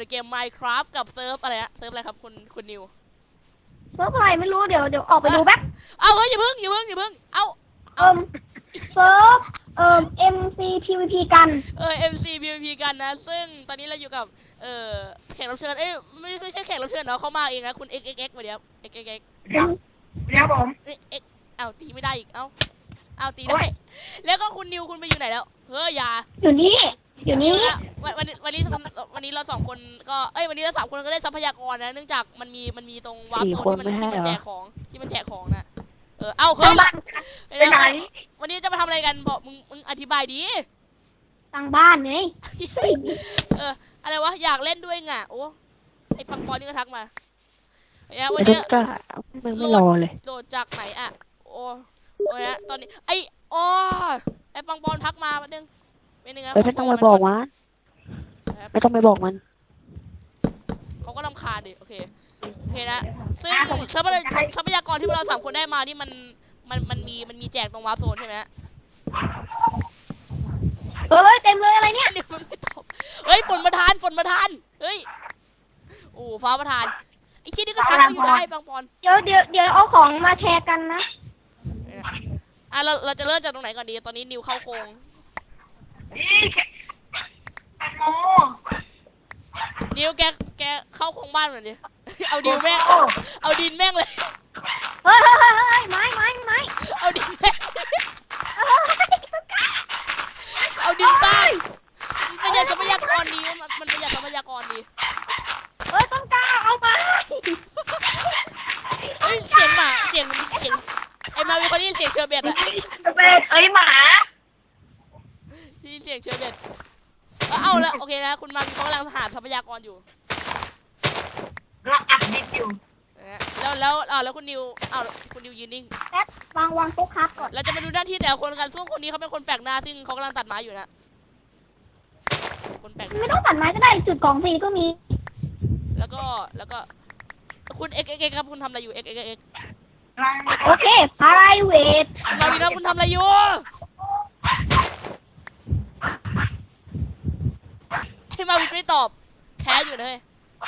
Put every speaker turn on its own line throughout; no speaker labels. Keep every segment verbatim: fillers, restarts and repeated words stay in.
ในเกม Minecraft กับเซิร์ฟอะไรฮะเซิร์ฟอะไรครับคุณคุณนิว
เซิร์ฟอะไรไม่รู้เดี๋ยวเดี๋ยวออกไปดูแป๊บ
เอาเฮ้ยอย่าเพิ่งอย่าเพิ่งอย่าเพิ่งเอา
เอิมเซิร์ฟเอิม เอ็ม ซี พี วี พี กัน
เออ เอ็ม ซี พี วี พี กันนะซึ่งตอนนี้เราอยู่กับเอ่อแขกรับเชิญเอ้ยไม่ไม่ใช่แขกรับเชิญเนาะเขามาเองนะคุณ เอ็กซ์ เอ็กซ์ เอ็กซ์ มาเดี๋ยว เอ็กซ์ เอ็กซ์ เอ็กซ์
เดี๋ยวเดี๋ยวผม
เอ็กซ์เอาตีไม่ได้อีกเอ้าเอาตีได้แล้วก็คุณนิวคุณไปอยู่ไหนแล้วเฮ้ยอย่า
อยู่นี่อยู่นี่
วันวันวันนี้วันนี้เราสองคนก็เอ้ยวันนี้เราสามคนก็ได้ทรัพยากรนะเนื่องจากมันมีมันมีตรงวาร์ปโซนที่มันที่มันแจกของที่มันแจกของนะเออเอาเฮ้ย
ไปไหน
วันนี้จะมาทำอะไรกันบอกมึงมึงอธิบายดี
ตั้งบ้านไง
เอออะไรวะอยากเล่นด้วยไงโอ้ไอพังปอนนี่ก็ทักมาเนี่ยวันนี้
ก็ไม่ไม่รอเลย
โดดจากไหนอ่ะโอ้โอ้ยตอนนี้ไอโอ้ไอปังปอนทักมาประเด็นเป็นยังไง
ไม่ต้องไปบอกมันไม่ต้องไปบอกมัน
เขาก็รำคาญดิโอเคโอเคนะซึ่งทรัพยากรที่เราสามคนได้มานี่มันมันมันมีมันมีแจกตรงวาร์ปโซนใช่ไหม
เฮ้ยเต็มเลยอะไรเนี่ย
เดี๋ยวมันไม่ตอบเฮ้ยฝนประทานฝนประทานเฮ้ยโอ้ฟ้าประทานไอ้ที่นี่ก็ทักมาอยู่ได้ปังปอน
เดี๋ยวเดี๋ยวเดี๋ยวเอาของมาแชร์กันนะ
อ่ะเราเราจะเริ่มจากตรงไหนก่อนดีตอนนี้นิวเข้าโค้งนิวแกแกเข้าโค้งบ้านเหมือนดิเอาดินแม่งเอาดินแม่งเลย
เฮ้ยเฮ้ยเฮ้ยไม้ไม้ไม้
เอาดินแม่งเอาดินสร้างประหยัดทรัพยากรดีมันมันประหยัดทรัพยากรดี
เฮ้ยต้นกล้าเอามา
เฮ้ยเสียงหมาเสียงเสียงไอ้มาวิคนนี้เสียงเชอร์เบตอะ
เชอร์เบตเอ้ยหมา
ได้ยินเสียงเชอร์เบตเอาละโอเคนะคุณมาวิเขากำลังหาทรัพยากรอยู่
เราอัดดิบอยู่
แล้วแล้วอ่าแล้วคุณนิวอ้าวคุณนิวยืนนิ่ง
แป๊บวางวางโต๊ะครับก่อน
เราจะมาดูหน้าที่แต่ละคนกันซึ่งคนนี้เขาเป็นคนแปลกหน้าซึ่งเขากำลังตัดไม้อยู่นะคนแปลก
ไม่ต้องตัดไม้ก็ได้จุดกองฟรีก็มี
แล้วก็แล้วก็คุณเอ็กเอ็กเอ็กครับคุณทำอะไรอยู่เอ็กเอ็กเอ็ก
โอเคพาราเวท
มาวีครับคุณทำอะไรอยู่ให้มาวีไม่ตอบแคสอยู่เลย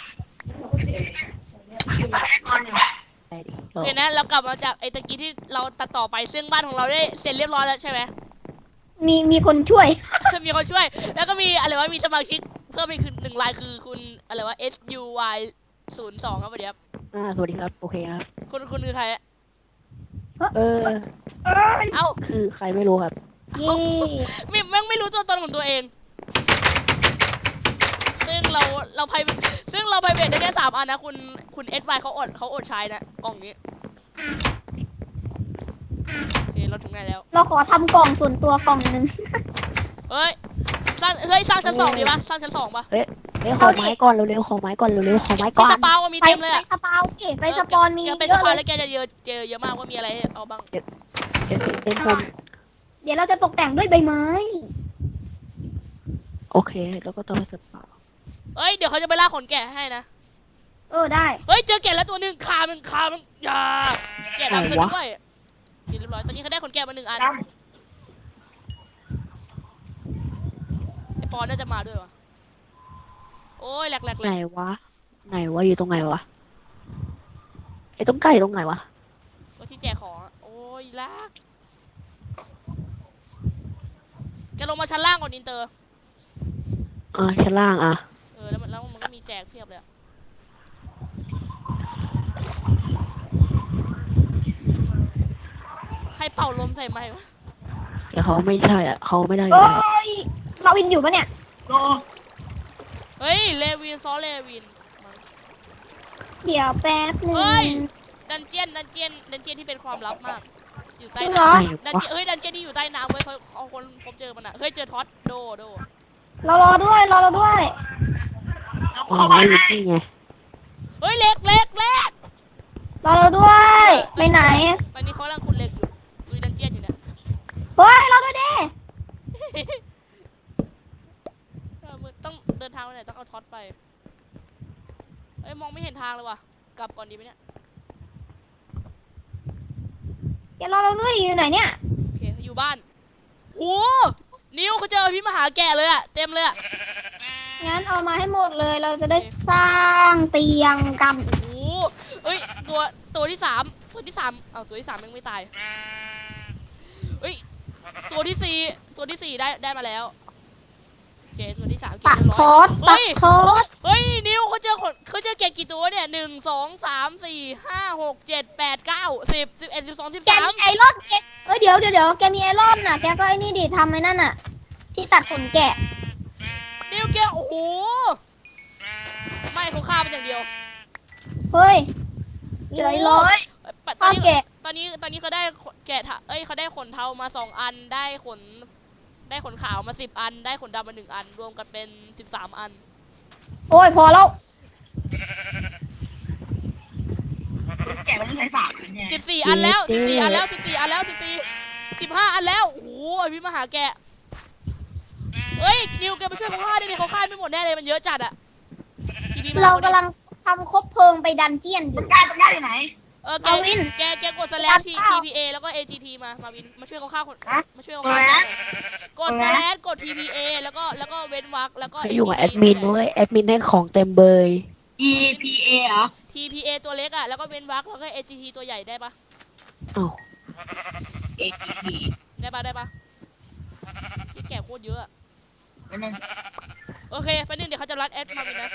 โอเคนะเรากลับมาจากไอ้ตะกี้ที่เราตัดต่อไปซึ่งบ้านของเราได้เสร็จเรียบร้อยแล้วใช่ไหม
มีมีคนช่วย
มีคนช่วยแล้วก็มีอะไรวะมีสมาชิกเพิ่มอีกหนึ่งรายคือคุณอะไรวะ S U Y ศูนย์สองครับสวัสดีครับ
อ่าสวัสดีครับโอเคครับ
คุณคุณคือใครอะ
เออ
เอ้า
คือใครไม่รู้ครับ
ไม่แม่งไม่รู้ตัวตนของตัวเองซึ่งเราเราไพซึ่งเราไพเวทได้แค่สามอันนะคุณคุณเอสวเขาอดเขาอดใช้นะกล่องนี้โอเคเราถึงไหนแล้ว
เราขอทำกล่องส่วนตัวกล่องนึง
เฮ้ยสร้างเฮ้ยสร้างชั้นสองดีปะสร้างชั้นสองปะ
เฮ้ยเร็วขอไม้ก่อนเร็วๆขอไม้ก่อนเร็วๆขอไม้ก่อน
สปาวมีเต็มเลย
อะสปาวเก๋ไปสปอนมี
เยอะไปสปาวแล้วแกจะเยอะเจอเยอะมากว่ามีอะไรให้เอาบ้าง
เดี๋ยวเต็มผม
เดี๋ยวเราจะตกแต่งด้วยใบไม้
โอเคแล้วก็ต้องไปสปาว
เฮ้ยเดี๋ยวเขาจะไปล่าขนแกะให้นะ
เออได้
เฮ้ยเจอแกะแล้วตัวหนึ่งขามันขามันอย่าแกะดำซะด้วยเรียบร้อยตอนนี้เขาได้ขนแกะมาหนึ่งอันไอปอนน่าจะมาด้วยวะโอ้ยแหลกแหลก
ไหนวะไหนวะอยู่ตรงไหนวะไอ้ต้มไก่ตรงไหนวะ
ก็ที่แจกของโอ้ยลากแกลงมาชั้นล่างก่อนอินเตอร์
อ่าชั้นล่างอ่ะ
เออแล้วมันแล้วมันก็มีแจกเพียบเลยใครเป่าลมใส่ไม้วะ
แต่เขาไม่ใช่อ่ะเขาไม่ได้
โอ้ยเราวินอยู่ปะเนี่ย
เฮ้ยเลวินซอเลวิน
เดี๋ยวแป๊บนึง
เฮ้ยดันเจียนดันเจียนดันเจียนที่เป็นความลับมากอยู่ใต้น้ำดันเจียนเฮ้ยดันเจียนที่อยู่ใต้น้ำเว้ยเขาเอาคนพบเจอมันอ่ะเฮ้ยเจอท็อตโดโด
รอรอด้วยรอเราด้วย
อ๋อไม่รู้ที่ไง
เฮ้ยเล็กเล็กเล็ก
รอเราด้วยไปไหน
ตอนนี้เขากำลังขุดเหล็กอยู่ดูดันเจียนอยู่เนี่ย
เฮ้ยรอด้วยดิ
ต้องเดินทางไปไหนต้องเอาท็อตไปเอ้ยมองไม่เห็นทางเลยว่ะกลับก่อนดีไหมเนี่ย
อย่ารอเราด้วยอยู่ไหนเนี่ย
โอเคอยู่บ้านโหนิวเขาเจอพี่มหาแก่เลยอะเต็มเลยอะ
งั้นเอามาให้หมดเลย เราจะได้สร้างเตียงกัน
โอ้โหเฮ้ยตัวตัวที่สามตัวที่สามเอาตัวที่สามยังไม่ตายเฮ้ยตัวที่สี่ตัวที่สี่ได้ได้มาแล้วโอเคตัวที่สามเก็บ
ตัด
เรียบ
ค
ร้
อ
อย
สตั
เฮ้
ด
ย
คอส
เฮ้ยนิวเขาเจอคนเขาเจอแกะกี่ตัวเนี่ยหนึ่งสองสามสี่ห้าหกเจ็ดแปดเก้าสิบสิบเอ็ดสิบสองสิบ
แก
สาม
มีไอรอนแกเอ้ยเดี๋ยวเดี๋ยวเดี๋ยวแกมีไอรอนน่ะ แกก็ไอ้นี่ดิทำไอ้นั่นน่ะ ที่ตัดขนแกะ
นิวแกโอ้โหไม่เขาฆ่ามันอย่างเดียว
เฮ้ยใจร้อย
ตอ
ข้าน ว
นี้
แกะ
ตอนนี้ตอนนี้เขาได้ขนแกะทะเอ้ยเขาได้ขนเทามาสองอันได้ขน ได้ขนขาวมาสิบอัน ได้ขนดำมาหนึ่งอัน รวมกันเป็นสิบสามอัน
โอ้ยพอแล้ว
แกะมันต้องใช้สามเนี่ย
สิบสี่อันแล้วสิบสี่อันแล้วสิบสี่อันแล้วสิบสี่สิบห้าอันแล้วโอ้โหไอพี่มาหาแกะเฮ้ยนิวแกมาช่วยเขาฆ่าดิเขาฆ่าไม่หมดแน่เลยมันเยอะจัดอะทีนี้
เรากำลังทำคบเพลิงไปดันเจียนอยู่
ต้นกล้าต้นกล้าอยู่ไหน
เออแก
เอาวิน
แกแกกดสแลชที ที พี เอ แล้วก็ เอ จี ที มามาวินมาช่วยเขาฆ่าคน
ฮะ
มาช่วยเขาฆ่าแกะหน่อยกดสแลชกด ที พี เอ แล้วก็แล้วก็เว้นวรรคแล้วก็
ให้อยู่กับแอดมินเว้ยแอดมินให้ของเต็มเบย
E P A เหรอ
ที พี เอ ตัวเล็กอะแล้วก็เว้นวรรคแล้วก็ เอ จี ที ตัวใหญ่ได้ปะ
อ้าว
A P P
ได้ปะได้ปะที่แกะโคตรเยอะอะ
อันนึง
โอเคไปนึงเดี๋ยวเขาจะรัดแอดมาวินนะ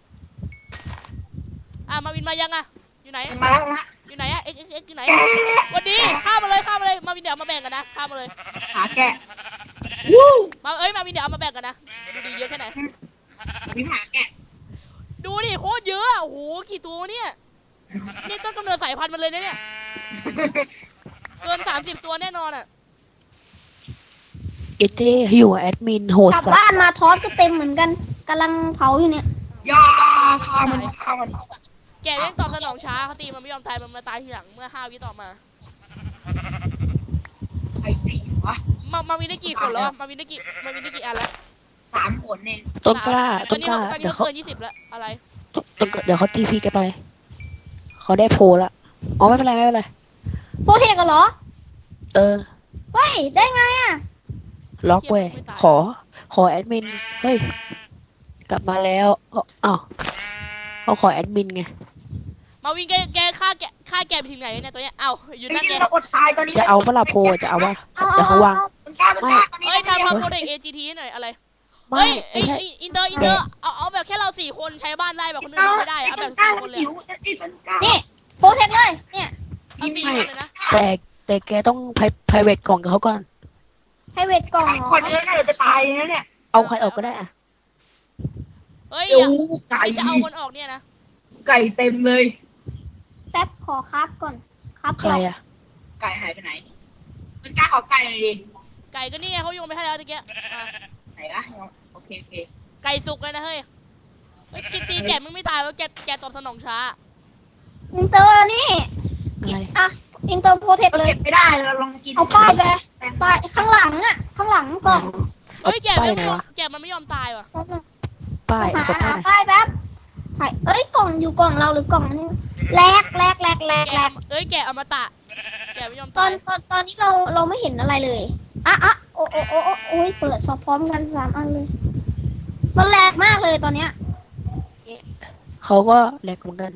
อ่ะมาวินมายังอะอยู่ไหน
มาแล้วนะ
อยู่ไหนอะเอ็กเอ็กเอ็กอยู่ไหนวันดีข้ามมาเลยข้ามมาเลยมาวินเดี๋ยวเอามาแบ่งกันนะข้ามมาเลย
หาแกะวู้
มาเอ้ยมาวินเดี๋ยวเอามาแบ่งกันนะดูดีเยอะแค่ไหน
วิหาแกะ
ดูดิโคตรเยอะอะโอ้โหกี่ตัวเนี่ยนี่ต้นกำเนิดสายพันธุ์มันเลยนะเนี่ยเกินสามสิบตัวแน่นอนอะ
เอเจให้อยู่กับแอดมินโหด
กลับ
สัส
บ้านมาทอสก็เต็มเหมือนกันกำลังเผาอยู่เนี่ย
ย่าฆ่ามันฆ่ามัน
แกเล่นตอบสนองช้าเขาตีมันไม่ยอมตายมันมาตายทีหลังเมื่อห้าวิต่อมา
ไอ้ผีวะ
มามาวินได้กี่คนแล้วอะมาวินได้กี่มาวินได้กี่อันแล้ว
สามผลเอง
ต้นกล้า
ต
ต้
อน
น
นี้
กล้า
เขาตอนนี้
เดี๋ยว
เขา
เขา
เกินยี่สิบแล้วอะไร
ต้นกล้าเดี๋ยวเขาทีพีแกไปเขาได้โพลละอ๋อไม่เป็นไรไม่เป็นไร
โปรเทคกันเหรอ
เออ
เฮ้ย ได้ไงอ่ะ
ล็อกเว้ยขอ ขอแอดมินเฮ้ยกลับมาแล้วอ้าวอ้าวเขาขอแอดมินไง
มาวินแกแกฆ่าแกฆ่าแกไปถึงไหนเนี่ยตัวเนี้ยเอ้าอยู่
ไอ้
นั่นไง
นี่เราอดตายตอนนี้
จะเอาเวลาโพลจะเอาว่า
เอา
เดี๋ยวเขาวาง
ต้นกล้าต้นกล้าตอนนี้
เอ้ยทำความโปรเด็กเอจีทีหน่อยอะไร
ไม่
เฮ้ย
ไม่
ไอ
ใช่
อินเตอร์อินเตอร์เอาเอาแบบแค่เราสี่คนใช้บ้านได้แบบคนอื่นทำไม่ได้เอาแบบสี่คนเลย
หิว
อะ
ไอ้ต้นกล้า
นี่โปรเทคเลย เนี่ย
เอาสี่คนเลยนะ
แต่แต่แกต้องไพไพรเวทกล่องกับเขาก่อน
ให้เวทกล่องเหรอ
คนเยอะน่าจะตายนะเนี่ย
เอาใครออกก็ได้อะ
เฮ้ย
โอ้
อย่า
ไก่
ที่จะเอาคนออกเนี่ยนะ
ไก่เต็มเลย
แป๊บขอครับก่อนครับ
ใครอะ
ไก่หายไปไหนต้นกล้าขอไก่หน่อยดิ
ไก่ก็นี่ไงเขาโยนไปให้แล้วตะเกียบอ่ะ
ไหนวะโอเคโอเค
ไก่สุกเลยนะเฮ้ยเฮ้ยกินตีแกะมึงไม่ตายวะแกแกตอบสนองช้า
อินเตอร์นี่
อะไร
อ่ะ อินเตอร์โปรเทคเลย
เก็บไม่ได้เราลองกิน
เอาป้ายไปป้ายข้างหลังอ่ะ ข้างหลังกล่อง
เฮ้ยแกะ
ป้าย
ไม่
ไหน
ยอม
วะ
แกะมันไม่ยอมตายว่ะ
ป้าย
หา
ขอป้า
หาย ป้ายแป๊บหายเอ้ย กล่องอยู่กล่องเราหรือกล่องอันนี้แลกแลกแลกแลก
แกะ
แลก
เอ้ยแกะอมตะแกะไม่ยอม
ตอ
ตาน ย
ตอนตอนนี้เราเราไม่เห็นอะไรเลย อ่ะอ่ะโอ้โอ้โอ้โอ้โอ้ยเปิดสอบพร้อมกันสามอันเลย มันแลกมากเลยตอนเนี้ย
เขาก็แหลกเหมือนกัน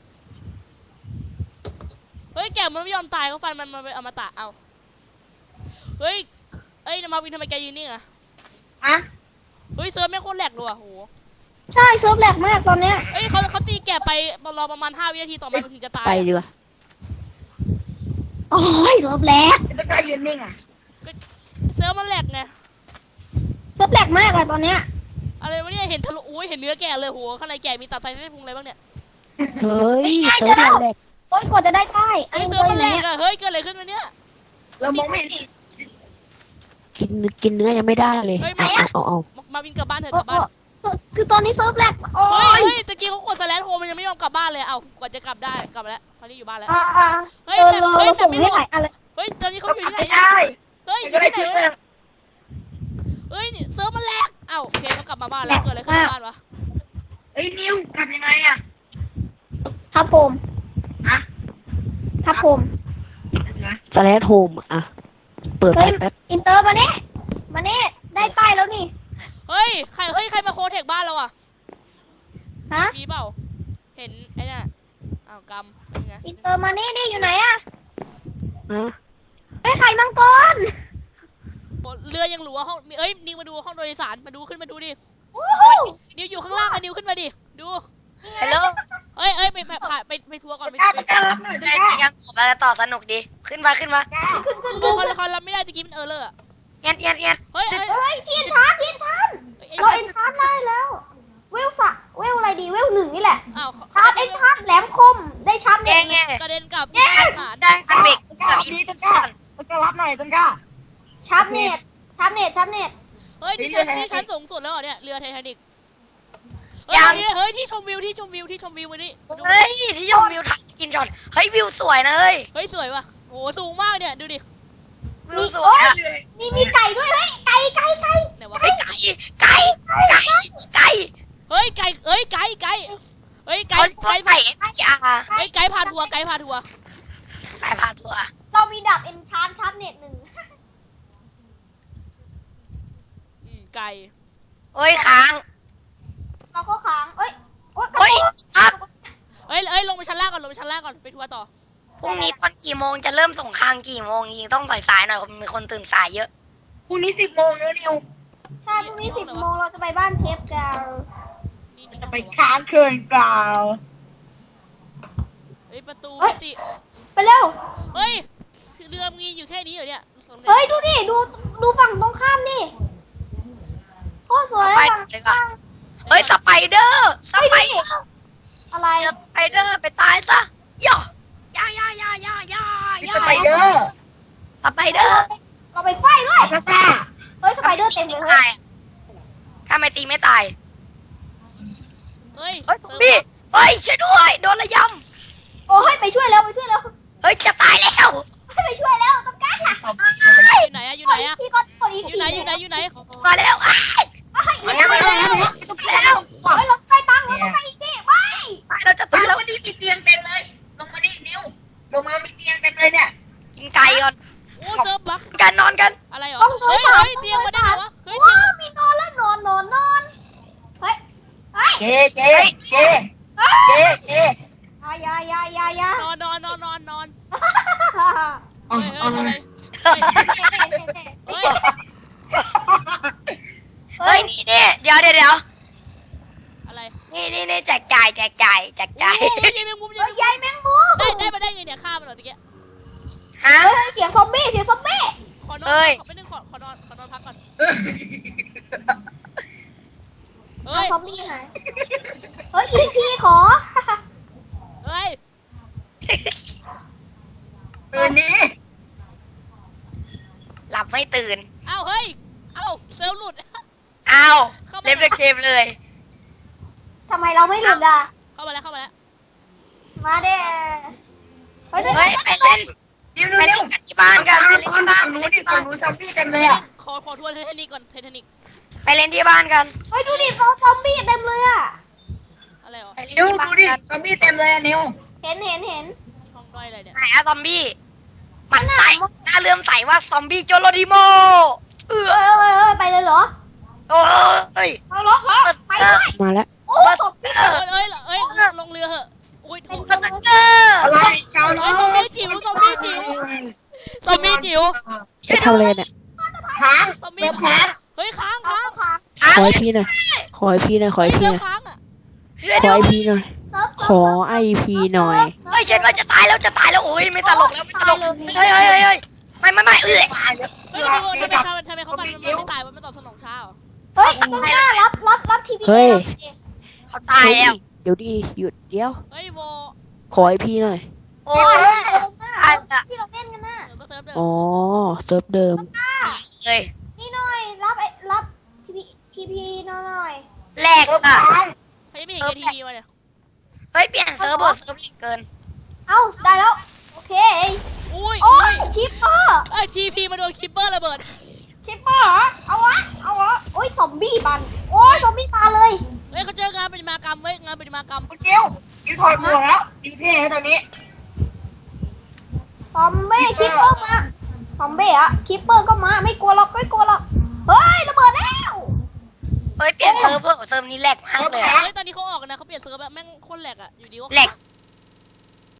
เฮ้ยแกะมันไม่ยอมตายเขาฟันมันมันเป็นอมตะเอาเฮ้ยเอ้ยมาวินทำไมแกยืนนิ่งอะ
อะ
เฮ้ยเซิร์ฟไม่งโคตรแหลกเลยว่ะโห
ใช่เซิร์ฟแลกมากตอนเนี้ย
เฮ้ยเขาเขาตีแกะไปรอประมาณห้าวินาทีต่อมามันถึงจะตาย
ไปดีกว่า
โอ้ยเซิร์ฟแลก
ต้นกล้ายืนนิ่งอ่ะ
เซิร์ฟมันแหลกไง
เซิร์ฟแลกมากเลยตอนเนี้ย
อะไรวะเนี่ยเห็นทะลุอุ้ยเห็นเนื้อแกะเลยโหข้างในแกะมีตับไตไส้พุงอะไรบ้างเนี่ย
เฮ้ยเซิร์ฟเราแหลก
โอ้ยกว่าจะได้ป้ายอัน
เฮ้ย
นี้
เซิร์ฟ
เซิร์ฟ
มัน
ไห
แหล
น
กอะเฮ้ยเกิดอะไรขึ้นวะเนี่ย
เรามองไม่เห็น
กินกินเนื้อยังไม่ได้เลย
เฮ้ย
เอา
ไม่
เอาเอาเอา
มามาวินกลับบ้านเถอะ
โอ้
กลับบ้าน
โอ้คือตอนนี้เซิร์ฟแลกโอ้
เฮ้ย
ย
เฮ้ยตะกี้เขากดสแลนโฮมันยังไม่ยอมกลับบ้านเลยเอ้ากว่าจะกลับได้กลับมาแล้วตอนนี้อยู่บ้านแล้ว
อ่าอ่า
เฮ้ย
เออ
แต่
เรา
เฮ้ย
เรา
แต่
ส่ง
ไม่
ให้
รู้
หลายอันเลย
เฮ้ยตอนนี้เขาอยู่ที่ไหน
ไม่
เนี่ย
ได้
เฮ้ยอ
ก็
ยู่
ได้
ที่ไหน
ชื่อ
วะเนี่ยเฮ้ยนี่เซิร์ฟมันแหลกเอ้าโอเคเขากลับมาบ้านแล้วเกิดอะไรขึ้นในบ้านวะ
เฮ้ยนิวทำยังไงอ่ะ
ทับผม
ฮะ
ทับผม
นะ
สแลดโฮมอะเปิด
เฮ้ย
แป๊บ
อินเตอร์มาเน่มาเน่ได้ป้ายแล้วนี่
เฮ้ยใครเฮ้ยใครมาโคเทคบ้านเราอ่ะ
ฮะ
มีเปล่าเห็นไอ้เนี่ยอ้าวกำเป็นไง
อินเตอร์มานี่นี่อยู่ไหนอะ
ฮะ
ไอ้ไข่มังกร
เรือยังหลัวห้องเอ้ยนิวมาดูห้องโดยสารมาดูขึ้นมาดูดิ
วู้ฮู้
นิวอยู่ข้างล่างไอ้นิวขึ้นมาดิดู
ฮัลโหล
เอ้ยเอ้ยไปไปไปไปไปทัวร์ก่อนไป
กล้า
ไป
กล้ารับหน่อย
ได้
กล้า
ยังต่อมาต่อสนุกดี ขึ้นมาขึ้นมา
ขึ้นขึ้น
โอ้
ขึ้น
คอนละครรับไม่ได้ตะกี้มันเออเลยอะ
เงียบเงียบเงียบ
เฮ้ยเฮ้ย
เฮ้ยเทียนชาร์จเทียนชาร์จ
เอ้ย
เราเอ็นชาร์จได้แล้ว เวลสะเวลอะไรดีเวลหนึ่งนี่แหละ
อ้าว
ชาร์จเอ็นชาร์จแหลมคมได้ชาร์จ
เงี้
เนี่ย ย
เงี้ย
กระเด็นกลับ
ได้อันเบก
กล้ารับดีต้นกล้าต้นกล้ารับหน่อยต้นกล้า
ชาร์จเน็ตชาร์จเน็ตชาร์จเน็ต
เฮ้ยนี่ชั้นนี่ชั้นสูงสุดแล้วเหรอเนี่ยเรือไททานิกเฮ้ยนี่เฮ้ยที่ชมวิวที่ชมวิวที่ชมวิววันนี้ดู
เฮ้ยที่ชมวิวถ่ายกินช็อตเฮ้ยวิวสวยนะเฮ้ย
เฮ้ยสวยว่ะโอ้สูงมากเนี่ยดูดิ
วิวสวยอะ
นี่มีไก่ด้วยเฮ้ยไก่ไก่ไก่
ไหนวะ
เฮ้ยไก่ไก่ไก่ไก่
เฮ้ยไก่เอ้ยไก่ไก่เฮ้ยไก่
ไก่
ไก่
ไก่ไก่อ่ะ
เฮ้ยไก่พาทัวร์ไก่พาทัวร์
ไก่พาตัว
เรามีดับเอ็นชาร์จชาร์จเน็ตหนึ่ง
อืมไก่
เฮ้ยค้าง
เราก็ค้างเอ้ยโอ๊ย
เฮ้ยครับ
เฮ้ยเอ้ยลงไปชั้นล่างก่อนลงไปชั้นล่างก่อนไปทัวร์ต่อ
พรุ่งนี้ตอนกี่โมงจะเริ่มส่งคางกี่โมงจริงต้องสายสายหน่อยมีคนตื่นสายเยอะ
พรุ่งนี้สิบโมงแล้วนิว
ใช่พรุ่งนี้สิบโมงเราจะไปบ้านเชฟกัน
นี่นี่
จะไปค้างคืนเปล่า
เฮ้ยประตูมิติ
ไปเร็ว
เฮ้ยเรือมีอยู่แค่นี้เหรอเนี่ย
เฮ้ยดูดิดูดูฝั่งตรงข้ามดิโคตรสวย
ไป
ฝั่ง
เลยก่อนเฮ้ยสไปเดอร์สไปเดอร์
อะไร
เจอสไปเดอร์ไปตายซะย่อย่าย่าย่าย่าย่า
มี
ย่า
สไปเดอร์
สไปเดอร์
เราไปไฟด้วย
ซาซ่า
เฮ้ยสไปเดอร์เต็มเลยเฮ้
ตาย ยถ้าไม่ตีไม่ตาย
เฮ้ย
เฮ้ยซอมบี้เฮ้ยช่วยด้วยโดนระย
โอ้ยไปช่วยแล้วไปช่วยแล้ว
ำเฮ้ยจะตายแล้ว
ไปช่วยแล้วต้องการ
อยู่ไหนอะอยู่ไหนอะ
พี่ก็กดอีก
อยู่ไหนอยู่ไหนอยู่ไหน
มาแล้วอ้าย
มาแล้วมาแล้ว
แล้ว
เฮ้ยเราไปตังเราต้องไปอีกดิไป
ตายเราจะ
ตา
ตาย ย
แล้
แล้ว ว
วันนี้มีเตียงเต็มเลย ลงมาดินิวลงมามีเตียงเต็มเลยเนี่ย
กินไก่ก่อน
โอ้เซิร์ฟบัก
กันนอนกัน
อะไรเหรอ
ต้องโด
เฮ้
น
ย
สาม
เฮ้ยเตียงมาได้ไงวะเฮ้ย
ว้าวมีนอนแล้วนอนนอนนอนเฮ้ยเฮ้ย
เจ๊เจ๊เจ๊เจ๊เจ๊
อยาอยาอยาอยาน
อนนอนนอนนอนนอน
อ๋อ
เฮ้ยเฮ้ยอะไรเฮ้ย
เฮ้ยนี่นี่เดี๋ยวเดี๋ยวเดี๋ยว
อะไร
นี่นี่นี่แจกจ่ายแจกจ่ายแจกจ่าย
โอ้ยยายแมงมุมยาย
ใหญ่แมงมุม
ได้ได้มาได้ไงเนี่ยฆ่ามันเหรอตะเกีย
ฮะ
เฮ้ยเสียงซอมบี้เสียงซอมบี้
ขอนอน
เฮ้ย
ขอไม่นึงขอขอนอนขอนอนพักก่อน
เอา
เฮ้ย
ซอมบี้หายเฮ้ยอีพีขอ
เฮ้ย
ตื่นนี้
หลับไม่ตื่น
เอ้าเฮ้ยเอ้าเซลล์หลุด
อ้าว
เข้ามา
เล่นเกมเลย
ทำไมเราไม่หลุดอ่ะ
เข้ามาแล้วเข้ามาแล้ว
มาเด้เฮ้ย
เฮ้ยไปเล่น
นิว
ไป
นิ
เล่
วน
กันที่บ้านกันไปเล่น
ก่อน
ที่บ้าน
ฝั่ง
ไป
นู้
เล่
น
น
ดิ
ที่
ฝั่
บ้าง น
นู้นซอมบี้เต็มเลยอ่ะ
ขอขอทัวร์ไททานิกก่อนไททานิก
ไปเล่นที่บ้านกัน
เฮ้ยดูดิซอมบี้เต็มเลยอ่ะ
อะไรเหรอ
ไปเล่น
นิว
ที่บ้า
ดู
น
ดิ
กัน
ซอมบี้เต็มเลยอะนิว
เห็นเห็นเห็น
ที่ห้องด้อยอะไรเนี่ย
ไหนอะซอมบี้มันใส่หน้าเลื่อมใสว่าซอมบี้โจโรดิโมเออ
เอ้ยเอ้ยเอ้ยไปเลยเหรอ
โอ้ย
เอาล็อกเหรอ
ไปด้วย
มาแล้ว
โอ้ซอมบี้
เอ้ยเอ้ยเอ้ยลงเรือเหอะอุ้ย
เป็น
สตักเกอร์
อะไรเกาล้
เฮ้
อย
ซอมบี้จิ๋วซอมบี้จิ๋วซอมบี้จิ๋ว
ไปทำเลยเนี่ย
ค้าง
ซอม
เติ
บี้
มค้าง
เฮ้ยค้าง
เอา
ค้าง
ค่ะ
ขอไอพีหน่อยขอไอพีหน่อยขอ
เฮ้
ไอย พี
เรือ
หน่อย
ค้างอ่ะ
ช่วย
ขอ
ด้ว
ไอย พีหน่อย
เซิร์ฟ
ขอไอพีหน่อย
เฮ้ยฉันว่าจะตายแล้วจะตายแล้วโอ้ยไม่ตลกแล้วไม่ตลกเฮ้ยเฮ้ยเฮ้ยเฮ้ยไม่ไม่ไม่เอ้ย
ตายแล้ว
เฮ้ยทำไมทำไมทำไมทำไมเขาฟันมันไม่ตายมันไม่ตอบสนองช้าเหรอ
เฮ้ยต้องกล้ารับรับรับทีวี
เฮ้ย
เขาตายแล้ว
เดี๋ยวดีหยุดเดี๋ยว
เฮ้ยโว
ขอไอพีหน่อย
โอ้
โอ้
ย
ยเร็วมากที่เราเล่นกันน่ะ
เดี๋ยวก็เซิร์ฟเดิม
อ๋อเซิร์ฟเดิม
เลย
นี่หน่อยรับไอ้รับทีพีทีพีหน่อย
แหลก
เติม
อ่ะ
ค้าง
เขายังไม่เห็นเอทีวีมาเนี่ย
เฮ้ยเปลี่ยนเซิร์ฟบอร์ดเซิร์ฟแหลกเกิน
เอ้าได้แล้วโอเค
อุ้ย
โอ้
อุ้
ย
ย
คิปเปอร์
เอ้ยทีพีมาโดนคิปเปอร์ระเบิด
คิปเปอร์เหรอเอาวะเอาวะโอ้ยซอมบี้บันโอ้ยซอมบี้มาเลย
เฮ้ยเขาเจองานประติมากรรมเว้ยงานประติมากรรม
คุณเกลนิวถอดหมวกแล้วดีเท่แล้วตอนนี้
ซอมบี้คิปเปอร์มาซอมบี้อะคิปเปอร์ก็มาไม่กลัวหรอกไม่กลัวหรอกเฮ้ยระเบิดแล้ว
ซิร์ฟเวอร์เซิร์ฟนี้แหลกมากเลยอะ
เฮ้ยตอนนี้เขาออกกันนะเขาเปลี่ยนเซิร์ฟแบบแม่งโคตรแหลกอะอยู่ดีก็
แหลก